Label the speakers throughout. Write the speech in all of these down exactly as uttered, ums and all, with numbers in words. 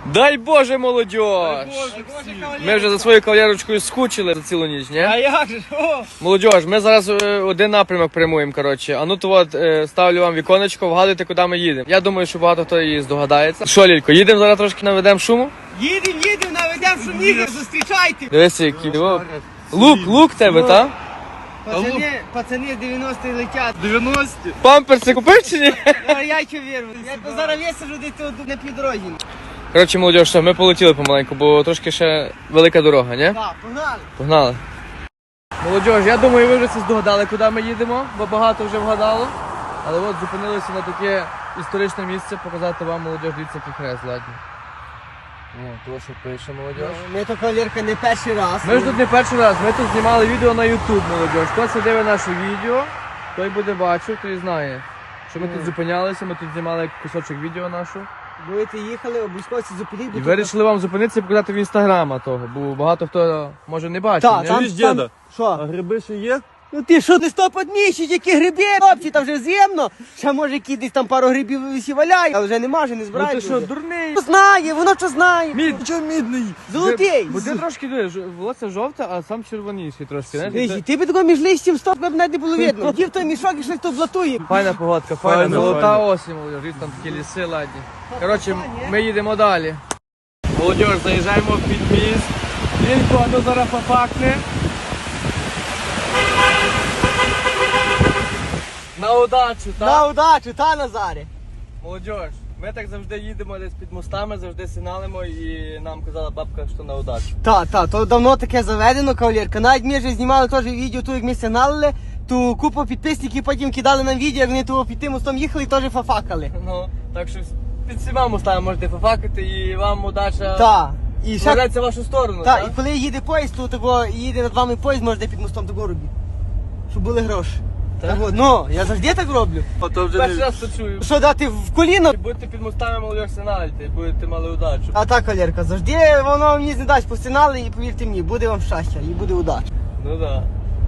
Speaker 1: Дай Боже, молодіж! Ми вже за своєю кавалерочкою скучили за цілу ніч, ні?
Speaker 2: А як же? О!
Speaker 1: Молодіж, ми зараз е, один напрямок прямуємо, коротше. А ну то от е, ставлю вам віконечко, вгадуйте, куди ми їдемо. Я думаю, що багато хто її здогадається. Що, Лілько, їдемо зараз трошки наведемо шуму?
Speaker 2: Їдем, їдем, наведем шуміги, зустрічайте.
Speaker 1: Дивися, який. О, лук, лук тебе, та?
Speaker 2: Пацани, пацани з дев'яностих летять.
Speaker 3: дев'яності.
Speaker 1: Памперси купив чи ні?
Speaker 2: А я що вірю? Я то зараз висаджу десь тут на півдорозі.
Speaker 1: Коротше, молодіж, що ми полетіли помаленьку, бо трошки ще велика дорога, ні?
Speaker 2: Так, погнали.
Speaker 1: Погнали. Молодіж, я думаю, ви вже це здогадали, куди ми їдемо, бо багато вже вгадало. Але от зупинилися на таке історичне місце, показати вам, молодіж, дивіться, який хрест, ладно. О, то, що пише, молодіж.
Speaker 2: Ми то кавалерка не перший раз.
Speaker 1: Ми ж тут не перший раз, ми тут знімали відео на YouTube, молодіж. Хто це дивить наше відео, той буде бачив, той знає, що ми тут зупинялися, ми тут знімали кусочок відео нашого.
Speaker 2: Будете їхали, обов'язково зупиніть.
Speaker 1: І вирішили вам зупинитися і показати в інстаграма того, бо багато хто може не бачив.
Speaker 2: Так,
Speaker 1: ні?
Speaker 2: там,
Speaker 3: Чуєш, діда?
Speaker 2: там, що?
Speaker 3: А гриби ще є?
Speaker 2: Ну ти що, листопад місяць, які гриби, хлопці, там вже зимно. Ще може які десь там пару грибів висі валяє, але вже нема, вже не
Speaker 1: Ну
Speaker 2: збирають.
Speaker 1: ти що, дурний?
Speaker 2: Воно знає, воно що знає.
Speaker 1: Мід.
Speaker 3: Чого мідний?
Speaker 2: Золотий.
Speaker 1: Бо ти трошки дивиш, волосся жовте, а сам червоніший трошки. знаєш,
Speaker 2: Ей,
Speaker 1: це-
Speaker 2: ти би такого між листям стоп, би навіть не було видно. Ті в той мішок і щось то блатує.
Speaker 1: Файна погодка, файна,
Speaker 3: Файна,
Speaker 1: золота
Speaker 3: файна.
Speaker 1: осінь, молодіж, там такі ліси ладні. Коротше, ми їдемо далі. Молодіж, заїжджаємо в підміст. Лілько, а ну зараз пофакне. На удачу, так?
Speaker 2: На удачу, та Назарі.
Speaker 1: Молодіж, ми так завжди їдемо десь під мостами, завжди сигналимо і нам казала бабка, що на удачу.
Speaker 2: Та, та, то давно таке заведено, кавалерка. Навіть ми вже знімали теж відео, ту як ми сигналили, ту купу підписників потім кидали нам відео, як вони того під тим мостом їхали і теж фафакали.
Speaker 1: Ну, так що під всіма мостами можете пофакати і вам удача
Speaker 2: Та. І ще...
Speaker 1: складається в вашу сторону,
Speaker 2: Та,
Speaker 1: так?
Speaker 2: і коли їде поїзд, то того, їде над вами поїзд, можете під мостом того робити. Щоб були гроші.
Speaker 1: Так?
Speaker 2: Так от, ну, я завжди так роблю.
Speaker 3: А то вже
Speaker 1: Перший
Speaker 3: не...
Speaker 1: раз це чую.
Speaker 2: Що дати в коліно?
Speaker 1: Будете під мостами молодіж сигналити, і будете мали удачу.
Speaker 2: А так, Валерка, завжди воно мені не дасть по сигнали і повірте мені, буде вам щастя і буде удача.
Speaker 1: Ну да.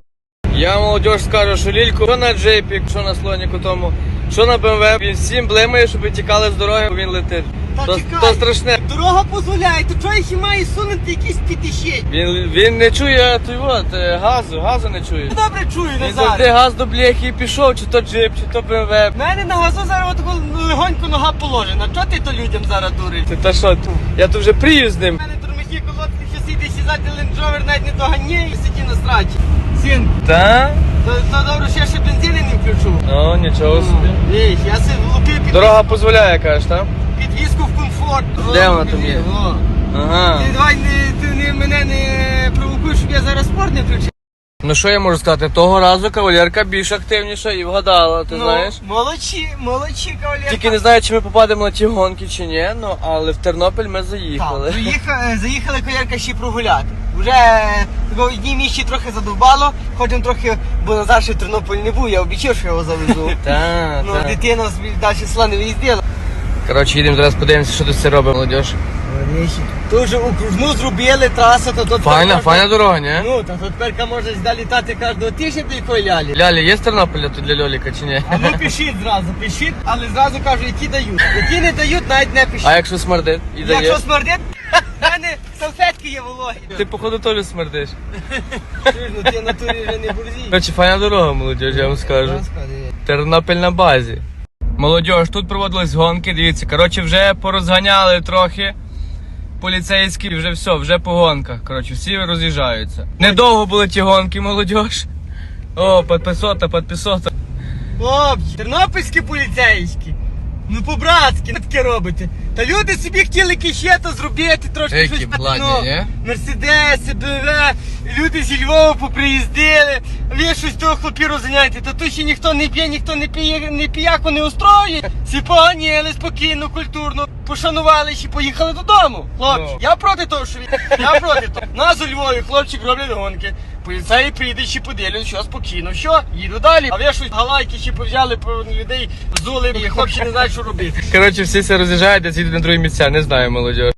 Speaker 1: Я молодіж скажу, що Лільку, що на джейпі, що на слоніку тому, що на БМВ, він всім блимає, щоб тікали з дороги, бо він летить.
Speaker 2: Та
Speaker 1: То,
Speaker 2: чекай.
Speaker 1: то страшне.
Speaker 2: Дорога дозволяє, то чого ще має сунути якісь п'ятищень?
Speaker 1: Він, він не чує той от, е, газу, газу не чує.
Speaker 2: Добре чую,
Speaker 1: Він
Speaker 2: Назар.
Speaker 1: завжди газ до бляхи і пішов, чи то джип, чи то БМВ.
Speaker 2: В мене на газу зараз отако легонько нога положена. Чого ти то людям зараз дуриш?
Speaker 1: Ти та що, я тут вже прию з
Speaker 2: У
Speaker 1: ним.
Speaker 2: мене тормозні колодки, що сіде сідати лендровер навіть не доганяє і сиді на страчі. Син,
Speaker 1: Та?
Speaker 2: то, то добре, що я ще бензини не включу.
Speaker 1: Ну, нічого собі.
Speaker 2: Віч, я си влупив під,
Speaker 1: Дорога дозволяє, кажеш, так?
Speaker 2: підвізку в комфорт.
Speaker 1: Де
Speaker 2: О,
Speaker 1: вона там є?
Speaker 2: о.
Speaker 1: Ага.
Speaker 2: Ти давай не, ти не, мене не провокуєш, щоб я зараз спорт не включив.
Speaker 1: Ну що я можу сказати, того разу кавалерка більш активніша і вгадала, ти
Speaker 2: Ну,
Speaker 1: знаєш?
Speaker 2: молодці, молодці, кавалерка.
Speaker 1: Тільки не знаю, чи ми попадемо на ті гонки, чи ні, ну але в Тернопіль ми заїхали.
Speaker 2: Так, заїхали, заїхали кавалерка ще прогуляти. Вже в одній місці трохи задовбало, хочемо трохи, бо Назар ще в Тернополь не був, я обіцяв, що я його завезу.
Speaker 1: Так,
Speaker 2: Ну,
Speaker 1: так.
Speaker 2: дитина далі села не виїздила.
Speaker 1: Коротше, їдемо зараз подивимося, що тут все робить молодіж.
Speaker 2: Тут вже окружну зробили, траса, то тут...
Speaker 1: Файна,
Speaker 2: можна-
Speaker 1: файна дорога, ні?
Speaker 2: Ну, та тут тепер можна далі літати кожного тижня до якої лялі.
Speaker 1: Лялі, є з Тернополя тут для Льоліка чи ні?
Speaker 2: А ну пишіть зразу, пишіть, але зразу кажу, які дають. Які не дають, навіть не пишіть.
Speaker 1: А якщо смердить і дає?
Speaker 2: Якщо смердить, в мене салфетки є вологі.
Speaker 1: Ти походу теж смердиш.
Speaker 2: Чуєш, ну ти в натурі вже не бурзій.
Speaker 1: Коротше, файна дорога, молодіж, я вам скажу. Тернопіль на базі. Молодіж, тут проводились гонки, дивіться, коротше, вже порозганяли трохи поліцейські, вже все, вже по гонках. Коротше, всі роз'їжджаються. Недовго були ті гонки, молодіж. О, підписота, підписота.
Speaker 2: Хлопці, тернопільські поліцейські. Ну по-братськи таке робите. Та люди собі хотіли кището зробити, трошки
Speaker 1: Які
Speaker 2: щось
Speaker 1: бладні,
Speaker 2: ну,
Speaker 1: ні?
Speaker 2: Мерседеси, БМВ, люди зі Львова поприїздили, ви щось того хлопі розганяєте, та тут ще ніхто не п'є, ніхто не п'є, не п'яко не устроює. Всі поганіли спокійно, культурно, пошанували і поїхали додому. Хлопці,
Speaker 1: Ну.
Speaker 2: я проти того, що ви... Я проти того. Нас у Львові хлопчик роблять гонки. Поліцеї прийде ще поділять, що спокійно, що, їду далі. А ви щось галайки ще повзяли, по людей взули, і хлопці не знають, що робити.
Speaker 1: Коротше, всі все роз'їжджають, а ці йдуть на другі місця, не знаю, молодіж.